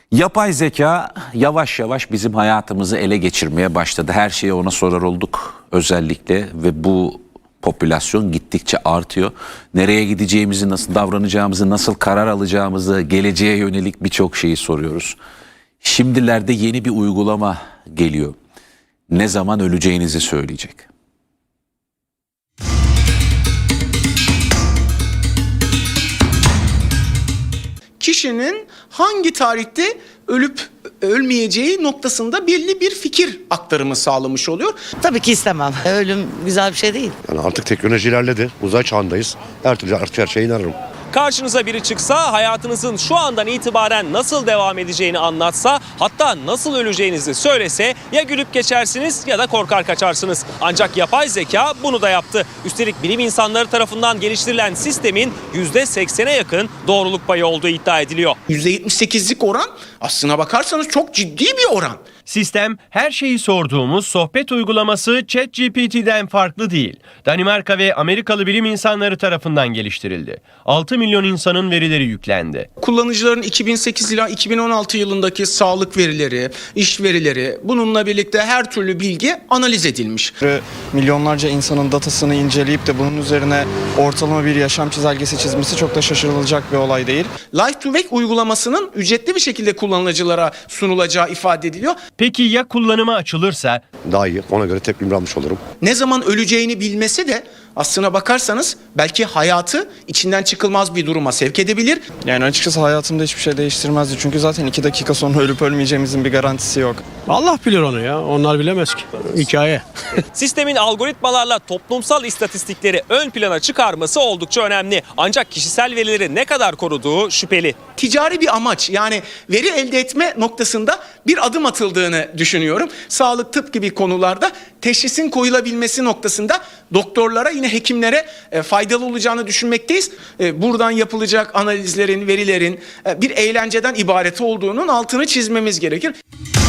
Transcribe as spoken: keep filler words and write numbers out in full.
Yapay zeka yavaş yavaş bizim hayatımızı ele geçirmeye başladı. Her şeyi ona sorar olduk özellikle ve bu popülasyon gittikçe artıyor. Nereye gideceğimizi, nasıl davranacağımızı, nasıl karar alacağımızı, geleceğe yönelik birçok şeyi soruyoruz. Şimdilerde yeni bir uygulama geliyor. Ne zaman öleceğinizi söyleyecek. Kişinin hangi tarihte ölüp ölmeyeceği noktasında belli bir fikir aktarımı sağlamış oluyor. Tabii ki istemem. Ölüm güzel bir şey değil. Yani artık teknoloji ilerledi. Uzay çağındayız. Her türlü artık her şeye inanırım. Karşınıza biri çıksa, hayatınızın şu andan itibaren nasıl devam edeceğini anlatsa, hatta nasıl öleceğinizi söylese ya gülüp geçersiniz ya da korkar kaçarsınız. Ancak yapay zeka bunu da yaptı. Üstelik bilim insanları tarafından geliştirilen sistemin yüzde seksene yakın doğruluk payı olduğu iddia ediliyor. yüzde yetmiş sekizlik oran aslına bakarsanız çok ciddi bir oran. Sistem her şeyi sorduğumuz sohbet uygulaması ChatGPT'den farklı değil. Danimarka ve Amerikalı bilim insanları tarafından geliştirildi. altı milyon insanın verileri yüklendi. Kullanıcıların iki bin sekiz ila iki bin on altı yılındaki sağlık verileri, iş verileri, bununla birlikte her türlü bilgi analiz edilmiş. Milyonlarca insanın datasını inceleyip de bunun üzerine ortalama bir yaşam çizelgesi çizmesi çok da şaşırılacak bir olay değil. Life to Wake uygulamasının ücretli bir şekilde kullanıcılara sunulacağı ifade ediliyor. Peki ya kullanıma açılırsa? Daha iyi. Ona göre tepkimi almış olurum. Ne zaman öleceğini bilmesi de aslına bakarsanız belki hayatı içinden çıkılmaz bir duruma sevk edebilir. Yani açıkçası hayatımda hiçbir şey değiştirmezdi. Çünkü zaten iki dakika sonra ölüp ölmeyeceğimizin bir garantisi yok. Allah bilir onu ya. Onlar bilemez ki. Hikaye. Sistemin algoritmalarla toplumsal istatistikleri ön plana çıkarması oldukça önemli. Ancak kişisel verileri ne kadar koruduğu şüpheli. Ticari bir amaç, yani veri elde etme noktasında bir adım atıldığını düşünüyorum. Sağlık, tıp gibi konularda teşhisin koyulabilmesi noktasında doktorlara, yine hekimlere faydalı olacağını düşünmekteyiz. Buradan yapılacak analizlerin, verilerin bir eğlenceden ibaret olduğunun altını çizmemiz gerekir.